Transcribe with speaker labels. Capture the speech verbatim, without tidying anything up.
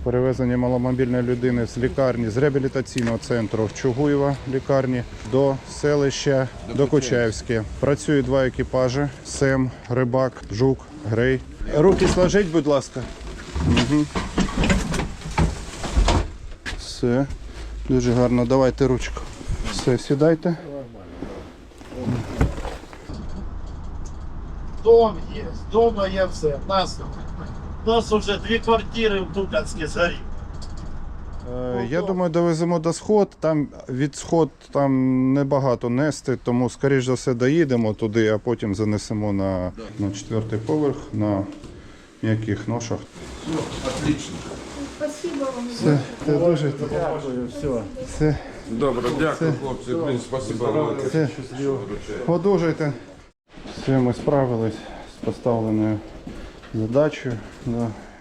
Speaker 1: перевезення маломобільної людини з лікарні, з реабілітаційного центру в Чугуєва лікарні до селища Докучаєвське. Працюють два екіпажі – Сем, Рибак, Жук, Грей. Руки сложіть, будь ласка. Угу. Все. Дуже гарно. Давайте ручку. Все, сідайте.
Speaker 2: Дом є, дома є все. У нас, у нас вже дві квартири в Дуканській згорі.
Speaker 1: Е, Я думаю, довеземо до Сход. Там від Сход там небагато нести, тому скоріш за все доїдемо туди, а потім занесемо на, на четвертий поверх на м'яких ношах.
Speaker 3: Все, отлично.
Speaker 4: Спасибо вам.
Speaker 1: Все, це дуже
Speaker 2: Дякую, все.
Speaker 1: все,
Speaker 3: Добре, дякую, хлопці. Блін, спасибо вам.
Speaker 1: все. Одужуйте. Все, ми справились з поставленою задачею. Да.